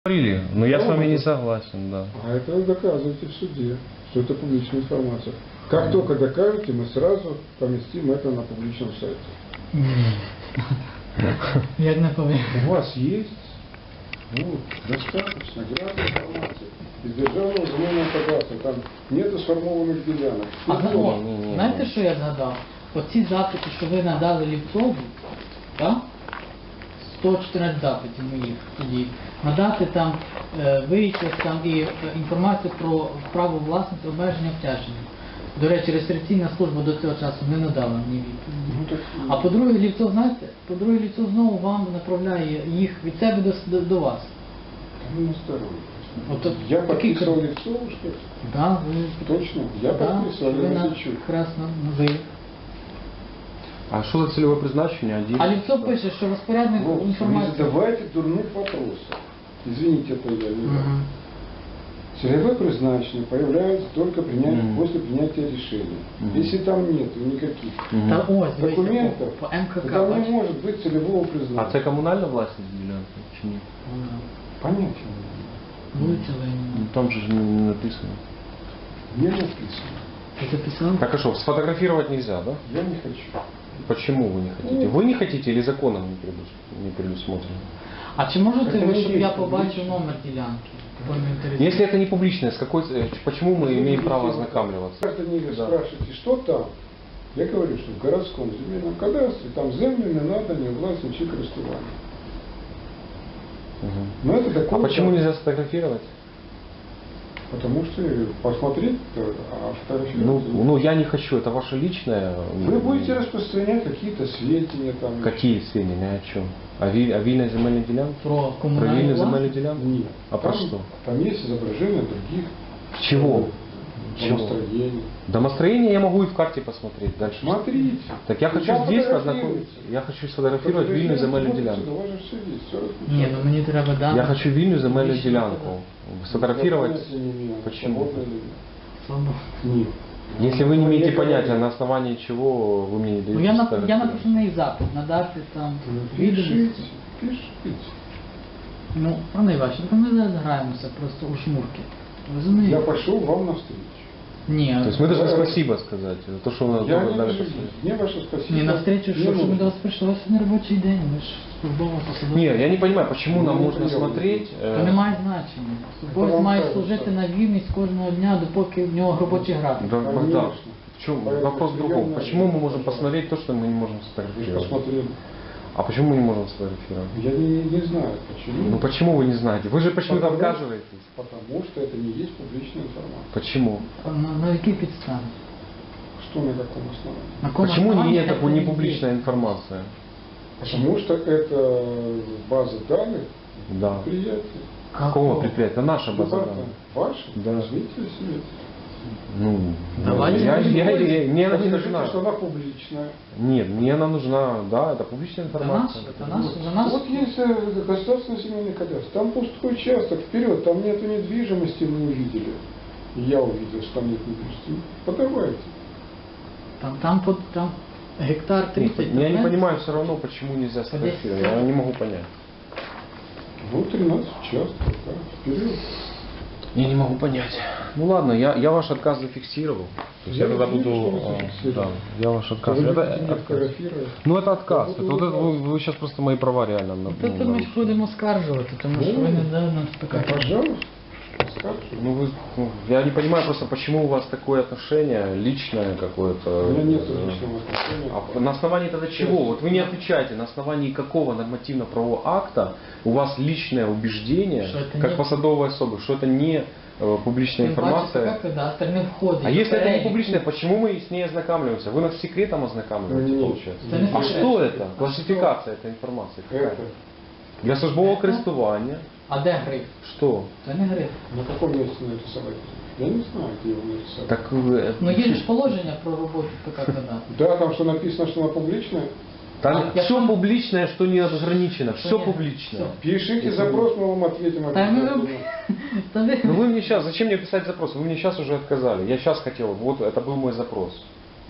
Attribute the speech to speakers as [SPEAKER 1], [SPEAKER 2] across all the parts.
[SPEAKER 1] Говорили, но я с вами не согласен, да.
[SPEAKER 2] А это вы доказываете в суде, что это публичная информация. Как только докажете, мы сразу поместим это на публичном сайте.
[SPEAKER 3] Як не повинен.
[SPEAKER 2] У вас есть достаточно грязной информации из державного земельного кадастру. Там нету сформованных делянок.
[SPEAKER 3] Знаєте, що я згадав? Оці запити, що ви надали Лівцову, так? 114 запитів моїх тоді. Надати там витяг там і інформацію про право власності, обмеження, обтяження. До речі, реєстраційна служба до цього часу не надала мені відповіді. А по-друге, Лівцов, знаєте, по-друге, Лівцов знову вам направляє їх від себе до вас.
[SPEAKER 2] Ну, на здоровье.
[SPEAKER 3] От,
[SPEAKER 2] Я
[SPEAKER 3] такий
[SPEAKER 2] подписывал Левцову, что ли?
[SPEAKER 3] Да, ви...
[SPEAKER 2] Точно? Я
[SPEAKER 3] Да,
[SPEAKER 2] подписывал,
[SPEAKER 3] ви
[SPEAKER 2] я
[SPEAKER 3] на...
[SPEAKER 2] не
[SPEAKER 3] Красно, ви.
[SPEAKER 1] А що за цільове призначення?
[SPEAKER 3] А Лівцов пише, що розпорядник
[SPEAKER 2] Вот, не
[SPEAKER 3] інформації...
[SPEAKER 2] задавайте дурных вопросов. Извините, это я не знаю. Целевое призначение появляется только после принятия решения. Если там нету никаких
[SPEAKER 3] Та ось, дивіться,
[SPEAKER 2] документов,
[SPEAKER 3] по МКК.
[SPEAKER 2] то там не
[SPEAKER 3] бачите?
[SPEAKER 2] может быть целевого
[SPEAKER 1] А
[SPEAKER 2] признания.
[SPEAKER 1] це комунальна власність ділянки чи ні?
[SPEAKER 2] Понятия не имею.
[SPEAKER 3] Вулиця Леніна.
[SPEAKER 1] Ну, там же ж не написано.
[SPEAKER 2] Не написано.
[SPEAKER 3] Ти записав?
[SPEAKER 1] Так а что, сфотографировать нельзя, да?
[SPEAKER 2] Я не хочу.
[SPEAKER 1] Почему вы не хотите? Вы не хотите или законом не предусмотрено?
[SPEAKER 3] А чи можете
[SPEAKER 2] Це
[SPEAKER 3] ви,
[SPEAKER 2] не
[SPEAKER 3] щоб
[SPEAKER 2] є
[SPEAKER 3] я побачив
[SPEAKER 2] публічно.
[SPEAKER 3] номер ділянки? Бо мене інтересує.
[SPEAKER 1] Если это не публичное, почему мы имеем право ознакомливаться?
[SPEAKER 2] Граждане
[SPEAKER 1] Да.
[SPEAKER 2] спрашиваете, что там? Я говорю, что в городском земельном кадастре там землю не надо, не власть, ничьи користування.
[SPEAKER 1] Мгм.
[SPEAKER 2] Но это такое...
[SPEAKER 1] А почему нельзя сфотографировать?
[SPEAKER 2] Потому что посмотреть, а фотографировать...
[SPEAKER 1] Ну, я не хочу, это ваше личное.
[SPEAKER 2] Вы будете распространять какие-то сведения там.
[SPEAKER 1] Какие сведения, о чем? О вильной земельной делянке?
[SPEAKER 3] Про
[SPEAKER 1] Про
[SPEAKER 3] комунальну
[SPEAKER 1] вильную земельную
[SPEAKER 3] власність?
[SPEAKER 1] делянку?
[SPEAKER 2] Нет.
[SPEAKER 1] А про
[SPEAKER 2] там,
[SPEAKER 1] что?
[SPEAKER 2] Там есть изображения других.
[SPEAKER 1] Чего? Чего?
[SPEAKER 2] Домостроений.
[SPEAKER 1] Домостроение я могу и в карте посмотреть дальше.
[SPEAKER 2] Смотрите.
[SPEAKER 1] Так я
[SPEAKER 2] Ну,
[SPEAKER 1] хочу
[SPEAKER 2] там
[SPEAKER 1] здесь
[SPEAKER 2] фотографируйте.
[SPEAKER 1] познакомиться. Я хочу сфотографировать вильную земельную делянку.
[SPEAKER 2] У вас же все есть, все
[SPEAKER 3] Ні, ну мені треба дати.
[SPEAKER 1] Я хочу вильную земельную
[SPEAKER 3] Личный
[SPEAKER 1] делянку. Сфотографировать.
[SPEAKER 2] Я не имею.
[SPEAKER 1] Почему?
[SPEAKER 2] Свободно или нет?
[SPEAKER 3] Свободу.
[SPEAKER 2] Нет.
[SPEAKER 1] Если вы не имеете
[SPEAKER 2] Я
[SPEAKER 1] понятия,
[SPEAKER 2] говорю.
[SPEAKER 1] на основании чего вы мне не даете
[SPEAKER 3] Ну я
[SPEAKER 1] сфотографировать.
[SPEAKER 3] напишу на їх запит, надати там
[SPEAKER 2] Пишите,
[SPEAKER 3] відомості.
[SPEAKER 2] пишите.
[SPEAKER 3] Ну, пане Іващенко, ми зараз граємося просто у шмурки. Розумієте?
[SPEAKER 2] Я пошел вам навстречу.
[SPEAKER 3] Ні,
[SPEAKER 1] То есть мы должны спасибо сказать за то, что вы нас
[SPEAKER 2] Я
[SPEAKER 1] добро
[SPEAKER 2] не
[SPEAKER 1] дали
[SPEAKER 2] вижу.
[SPEAKER 1] посмотреть.
[SPEAKER 2] Мне ваше спасибо.
[SPEAKER 3] ні, навстречу,
[SPEAKER 2] не
[SPEAKER 3] що ми
[SPEAKER 2] нужно.
[SPEAKER 3] до вас прийшли, ось не робочий день, ми ж службова посадова.
[SPEAKER 1] Нет, я не понимаю, почему нам
[SPEAKER 2] Ну,
[SPEAKER 1] нужно
[SPEAKER 2] неприемлемо.
[SPEAKER 1] смотреть...
[SPEAKER 3] Це не має значення. Службовець
[SPEAKER 2] вам
[SPEAKER 3] має
[SPEAKER 2] кажуть,
[SPEAKER 3] служити
[SPEAKER 2] що-
[SPEAKER 3] на вільність кожного дня, допоки в нього робочий графік.
[SPEAKER 1] Да, Богдан,
[SPEAKER 2] Конечно.
[SPEAKER 1] в чем
[SPEAKER 2] Поэтому
[SPEAKER 1] вопрос в другом?
[SPEAKER 2] приемная
[SPEAKER 1] Почему мы
[SPEAKER 2] жизнь,
[SPEAKER 1] можем
[SPEAKER 2] пожалуйста.
[SPEAKER 1] посмотреть то, что мы не можем
[SPEAKER 2] Вы же
[SPEAKER 1] сфотографировать?
[SPEAKER 2] посмотрели.
[SPEAKER 1] А почему мы не можем сфотографировать?
[SPEAKER 2] Я не знаю, почему.
[SPEAKER 1] Ну почему вы не знаете? Вы же почему-то
[SPEAKER 2] Потому-
[SPEAKER 1] отказываетесь.
[SPEAKER 2] Потому что это не есть публичная информация.
[SPEAKER 1] Почему?
[SPEAKER 3] На якій підставі?
[SPEAKER 2] Что на каком основании?
[SPEAKER 3] На якому
[SPEAKER 1] Почему
[SPEAKER 3] основанні
[SPEAKER 1] нет
[SPEAKER 3] це
[SPEAKER 1] такой
[SPEAKER 3] не
[SPEAKER 1] непубличная информация?
[SPEAKER 2] Потому что это база данных
[SPEAKER 1] Да.
[SPEAKER 2] предприятия.
[SPEAKER 1] Какого предприятия? Это наша база
[SPEAKER 2] Любая
[SPEAKER 1] данных.
[SPEAKER 2] Ваша?
[SPEAKER 1] Да.
[SPEAKER 2] Возьмите себе.
[SPEAKER 1] Ну,
[SPEAKER 3] Давайте
[SPEAKER 1] мне
[SPEAKER 3] не
[SPEAKER 1] она не
[SPEAKER 2] Скажите,
[SPEAKER 1] нужна.
[SPEAKER 2] что она публичная.
[SPEAKER 1] Нет, мне она нужна, да, это публичная
[SPEAKER 3] Це наш,
[SPEAKER 1] информация.
[SPEAKER 3] це наш, за нас.
[SPEAKER 2] Вот есть государственный семейный кадастр. Там пустой участок, вперед, там нету недвижимости, мы увидели. И я увидел, что там нет недвижимости. Подавайте.
[SPEAKER 3] Там гектар 30.
[SPEAKER 1] Я не понимаю все равно, почему нельзя сфотографировать. Я не могу понять.
[SPEAKER 2] Ну, 13 участков, да, вперед.
[SPEAKER 1] Я не могу понять. Ну ладно, я ваш отказ зафиксировал. То есть я
[SPEAKER 2] Я
[SPEAKER 1] тогда
[SPEAKER 2] вижу,
[SPEAKER 1] буду...
[SPEAKER 2] что вы зафиксировали.
[SPEAKER 1] Да, я ваш отказ.
[SPEAKER 2] Вы
[SPEAKER 1] Это
[SPEAKER 2] будете меня
[SPEAKER 1] отказ.
[SPEAKER 2] фотографировать.
[SPEAKER 1] Ну это отказ.
[SPEAKER 2] Я
[SPEAKER 1] Это,
[SPEAKER 2] буду
[SPEAKER 1] вот это
[SPEAKER 2] убрать.
[SPEAKER 1] вы сейчас просто мои права реально
[SPEAKER 3] Тут ми ж будемо скаржувати, тому що ви не дали нам
[SPEAKER 2] Да,
[SPEAKER 3] спекати.
[SPEAKER 2] пожалуйста, скажите.
[SPEAKER 1] Я не понимаю просто, почему у вас такое отношение личное какое-то.
[SPEAKER 2] У меня нет личного отношения.
[SPEAKER 1] А на основании тогда чего? Вот вы не отвечаете, на основании какого нормативно-правового акта у вас личное убеждение,
[SPEAKER 3] Что это
[SPEAKER 1] как
[SPEAKER 3] не-
[SPEAKER 1] посадовой особы, что это не публичная
[SPEAKER 3] Тим паче,
[SPEAKER 1] информация.
[SPEAKER 3] така кадастр не входить.
[SPEAKER 1] А
[SPEAKER 3] в
[SPEAKER 1] если это не
[SPEAKER 3] перелік.
[SPEAKER 1] публичное, почему мы с ней ознакомливаемся? Вы нас секретом ознакомливаете,
[SPEAKER 2] Нет.
[SPEAKER 1] получается?
[SPEAKER 3] Это не
[SPEAKER 1] А
[SPEAKER 3] секрет.
[SPEAKER 1] что это? Классификация этой информации какая?
[SPEAKER 2] Это.
[SPEAKER 1] Для службового користування.
[SPEAKER 3] А де гриф?
[SPEAKER 1] Что?
[SPEAKER 3] Це не гриф.
[SPEAKER 2] На каком месте нарисовать? Я не знаю, где его нарисовать.
[SPEAKER 1] Так
[SPEAKER 3] Ну є ж положення про роботу ПК кадастру.
[SPEAKER 2] Да, там что написано, что она публичная.
[SPEAKER 1] там
[SPEAKER 3] я
[SPEAKER 1] все
[SPEAKER 3] сам-
[SPEAKER 1] публичное, что не ограничено,
[SPEAKER 3] Что
[SPEAKER 1] все
[SPEAKER 3] не-
[SPEAKER 1] публичное.
[SPEAKER 3] всё.
[SPEAKER 2] Пишите запрос, мы вам ответим
[SPEAKER 3] Та ми
[SPEAKER 2] обязательно.
[SPEAKER 3] Та ви-
[SPEAKER 1] Ну вы мне сейчас, зачем мне писать запрос? Вы мне сейчас уже отказали. Я сейчас хотел, вот это был мой запрос.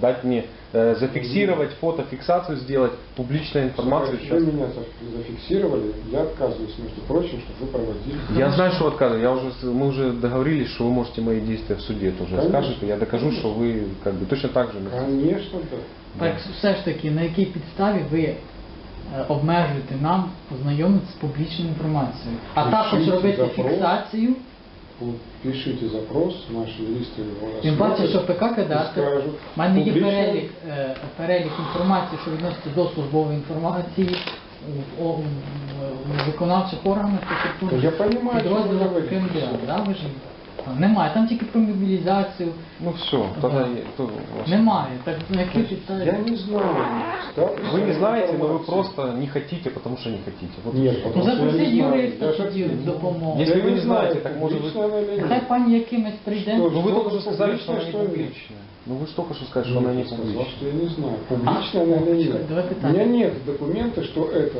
[SPEAKER 1] дать мне зафиксировать, фотофиксацию сделать, публичная информация
[SPEAKER 2] Вы
[SPEAKER 1] сейчас.
[SPEAKER 2] меня зафиксировали, я отказываюсь, между прочим, чтобы вы проводили.
[SPEAKER 1] Я знаю, что отказываю. Мы уже договорились, что вы можете мои действия в суде тоже
[SPEAKER 2] Конечно.
[SPEAKER 1] скажете. Я докажу, что вы как бы точно так же.
[SPEAKER 2] Конечно, да.
[SPEAKER 3] Так все ж таки, на якій підставі ви обмежуєте нам ознайомитися з публічною інформацією, а
[SPEAKER 2] Пишіть
[SPEAKER 3] також робити
[SPEAKER 2] запрос.
[SPEAKER 3] фіксацію.
[SPEAKER 2] Пишите запрос, наші юристи його
[SPEAKER 3] Тим паче, що
[SPEAKER 2] розглянуть
[SPEAKER 3] ПК Кадастр,
[SPEAKER 2] і скажуть,
[SPEAKER 3] в мене є
[SPEAKER 2] публічно.
[SPEAKER 3] перелік інформації, що відноситься до службової інформації у виконавчих органах та
[SPEAKER 2] Та я понимаю, що ви
[SPEAKER 3] підрозділах
[SPEAKER 2] говорите.
[SPEAKER 3] КМДА. Да, ви ж немає, там тільки про мобілізацію.
[SPEAKER 1] Ну все, тогда то у вас-
[SPEAKER 3] Немає. Так на якій підставі?
[SPEAKER 2] Я не знаю. статус
[SPEAKER 1] Вы не знаете, но вы
[SPEAKER 2] информации.
[SPEAKER 1] просто не хотите, потому что не хотите. Вот
[SPEAKER 2] Нет,
[SPEAKER 1] и всё.
[SPEAKER 3] Ну
[SPEAKER 2] потому что я
[SPEAKER 3] запросіть
[SPEAKER 2] не знаю.
[SPEAKER 3] юриста
[SPEAKER 2] Я же
[SPEAKER 3] тоді
[SPEAKER 2] ответил.
[SPEAKER 3] в допомогу.
[SPEAKER 1] Если
[SPEAKER 2] Я
[SPEAKER 1] вы не
[SPEAKER 2] не знаю,
[SPEAKER 1] знаете, так может быть...
[SPEAKER 2] публично она или нет.
[SPEAKER 3] Нехай пані якимось прийде.
[SPEAKER 2] Що?
[SPEAKER 1] Ну вы только что
[SPEAKER 2] Что
[SPEAKER 1] сказали, что она не
[SPEAKER 2] публично, что нет?
[SPEAKER 1] публичная. Ну вы же только что сказали, что
[SPEAKER 2] Ну,
[SPEAKER 1] она не
[SPEAKER 2] я сказал,
[SPEAKER 1] публичная.
[SPEAKER 2] что я не знаю, публично она или нет.
[SPEAKER 3] Давай
[SPEAKER 2] У
[SPEAKER 3] питание.
[SPEAKER 2] меня нет документа, что эта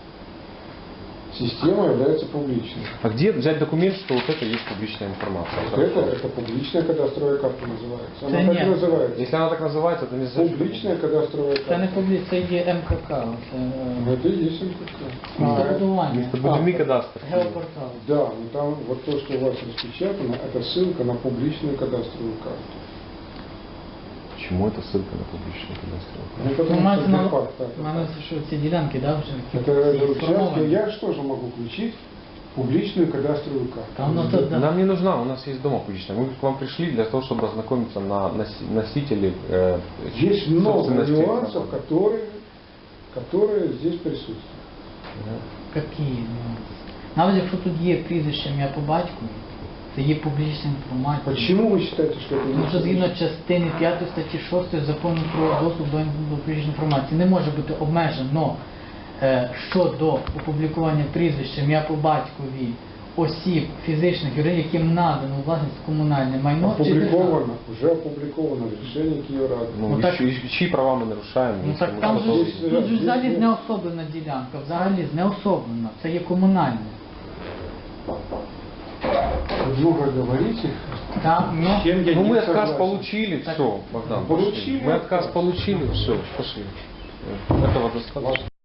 [SPEAKER 2] система является публичной.
[SPEAKER 1] А где взять документ, что вот это есть публичная информация?
[SPEAKER 2] Вот это публичная кадастровая карта называется. Она
[SPEAKER 3] Да
[SPEAKER 2] так
[SPEAKER 3] нет.
[SPEAKER 2] и называется.
[SPEAKER 1] Если она так называется, то не значит, что
[SPEAKER 2] Публичная кадастровая
[SPEAKER 3] Це не
[SPEAKER 2] карта.
[SPEAKER 3] публічно, це є МКК.
[SPEAKER 2] Ну, это и есть МКК.
[SPEAKER 3] Містобудування.
[SPEAKER 1] Местобудемный кадастр.
[SPEAKER 3] Геопортал.
[SPEAKER 2] Да, но там вот то, что у вас распечатано, это ссылка на публичную кадастровую карту.
[SPEAKER 1] Почему это ссылка на публичную кадастровую?
[SPEAKER 2] Ну,
[SPEAKER 3] Ну,
[SPEAKER 2] потому
[SPEAKER 3] мається
[SPEAKER 2] что
[SPEAKER 3] на
[SPEAKER 2] де-факт так.
[SPEAKER 3] мене що ці ділянки, да, вже
[SPEAKER 2] Это
[SPEAKER 3] всі
[SPEAKER 2] участки,
[SPEAKER 3] сформовані.
[SPEAKER 2] я же тоже могу включить публичную кадастровую карту.
[SPEAKER 3] Там ну, то, да.
[SPEAKER 1] Нам не нужна, у нас есть дома публичная. Мы к вам пришли для того, чтобы ознакомиться на носители
[SPEAKER 2] Есть много
[SPEAKER 1] собственности
[SPEAKER 2] нюансов,
[SPEAKER 1] информации.
[SPEAKER 2] которые здесь присутствуют.
[SPEAKER 3] Які нюанси? Навіть якщо тут є прізвище ім'я по батькові, це є публічна інформація.
[SPEAKER 2] Почему вы считаете, что это
[SPEAKER 3] Тому що згідно частини 5 статті 6 закону про доступ до публічної інформації не може бути обмежено щодо опублікування прізвища, ім'я по батькові осіб, фізичних, юридичних, яким надано у власність комунальне майно чи державне.
[SPEAKER 2] опубликовано, уже опубликовано в решении Киеврады.
[SPEAKER 1] Ну,
[SPEAKER 3] Ну, так-
[SPEAKER 1] чьи права мы нарушаем?
[SPEAKER 3] Ну
[SPEAKER 1] если
[SPEAKER 3] так
[SPEAKER 1] мы
[SPEAKER 3] там
[SPEAKER 1] просто-
[SPEAKER 3] же
[SPEAKER 2] Здесь,
[SPEAKER 3] тут же
[SPEAKER 2] здесь
[SPEAKER 3] взагалі
[SPEAKER 2] нет.
[SPEAKER 3] знеособлена ділянка, взагалі знеособлена, це є комунальне.
[SPEAKER 2] Вы много говорите.
[SPEAKER 3] Там, ну,
[SPEAKER 2] С чем я
[SPEAKER 1] Ну
[SPEAKER 2] не
[SPEAKER 1] мы отказ
[SPEAKER 2] согласен.
[SPEAKER 1] получили,
[SPEAKER 3] Так.
[SPEAKER 1] все, Богдан,
[SPEAKER 2] Получили
[SPEAKER 1] пошли. Мы отказ
[SPEAKER 2] отказ.
[SPEAKER 1] получили, все, пошли. Этого достаточно.